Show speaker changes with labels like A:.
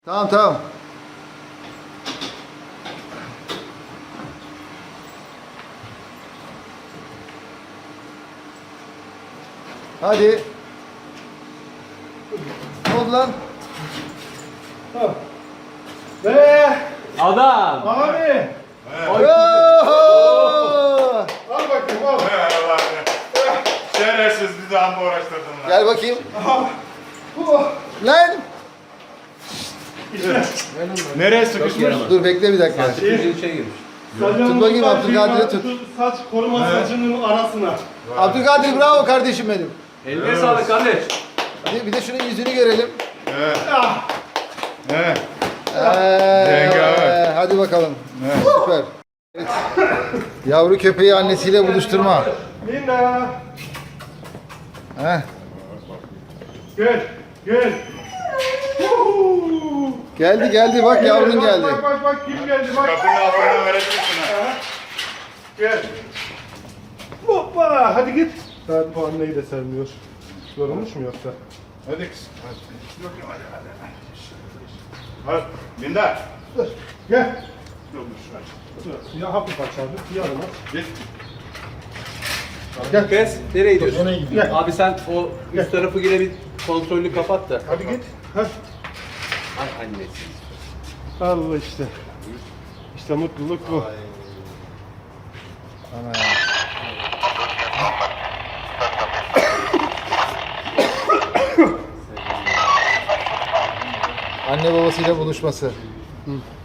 A: Tamam tamam. Hadi. Ne oldu lan?
B: Ve
C: Adam.
B: abi.
A: Oho!
B: Al bakayım al.
D: Şerefsiz bir daha mı uğraştırdın lan?
A: Gel bakayım. Lan!
D: Nereye sıkışmış?
A: Dur bekle bir dakika.
C: Bir şey girmiş.
A: Tut bakayım, Abdülkadir'i tut.
B: Saç koruma saçının arasına.
A: Abdülkadir bravo kardeşim benim.
C: Eline sağlık kardeş.
A: Bir de şunun yüzünü görelim.
D: Evet. Evet.
A: Hadi bakalım. Süper. Evet. Yavru köpeği annesiyle buluşturma.
B: Linda.
A: Heh.
B: Gel. Gel.
A: Geldi bak yavrun geldi.
B: Bak kim geldi bak.
D: Kapının altından verebilirsin ha.
B: Gel. Hoppa hadi git. Daha puan neyi de sevmiyor. Yorulmuş mu yoksa?
D: Hadi kız. Hadi. Linda.
B: Gel. Ya hafif aç abi. Yarım aç.
D: Git.
C: Gel. Kes. Nereye gidiyorsun?
B: Nereye gidiyorsun?
C: Abi sen o üst tarafı yine bir kontrollü kapat da.
B: Hadi git. Heh.
C: Ay annesi.
B: Allah işte. İşte mutluluk bu.
A: Ana. Anne babasıyla buluşması.